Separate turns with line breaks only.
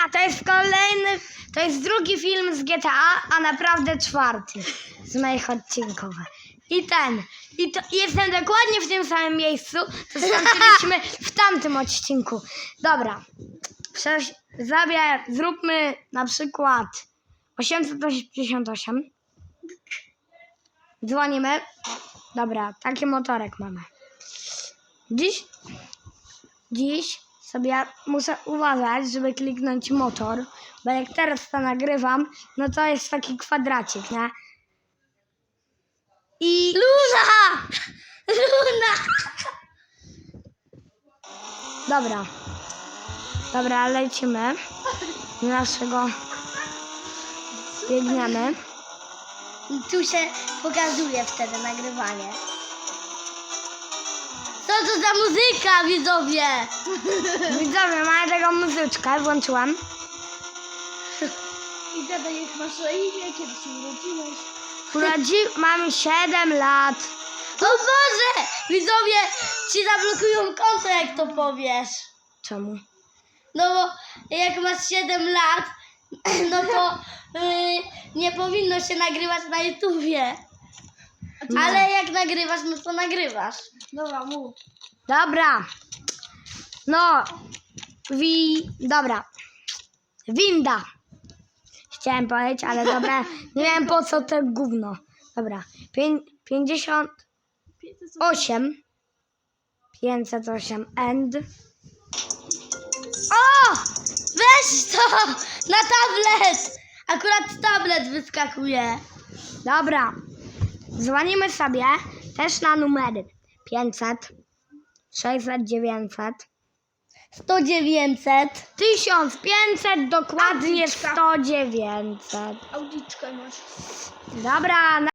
To jest drugi film z GTA, a naprawdę czwarty z moich odcinków. I jestem dokładnie w tym samym miejscu, co skończyliśmy w tamtym odcinku. Dobra, zróbmy na przykład 888. Dzwonimy. Dobra, taki motorek mamy. Dziś sobie muszę uważać, żeby kliknąć motor, bo jak teraz to nagrywam, no to jest taki kwadracik, nie? I... Luna! Dobra, lecimy. Naszego... Biegniemy.
I tu się pokazuje wtedy nagrywanie. Co to za muzyka, widzowie?
Widzowie, mamy taką muzyczkę, włączyłam.
I gadaj, jak masz na imię, kiedy się urodziłeś.
Mam 7 lat.
O Boże! Widzowie ci zablokują konto, jak to powiesz.
Czemu?
No bo jak masz 7 lat, no to nie powinno się nagrywać na YouTubie. Ale jak nagrywasz, no to nagrywasz. Dobra, mów.
Dobra. No. Dobra. Winda. Chciałem powiedzieć, ale dobra. Nie wiem po co to gówno. Dobra. 58. 508 and...
O! Weź to! Na tablet! Akurat tablet wyskakuje.
Dobra. Dzwonimy sobie też na numery 500, 600, 900,
100 900.
1500, dokładnie 100 900.
Audiczkę masz.
Dobra.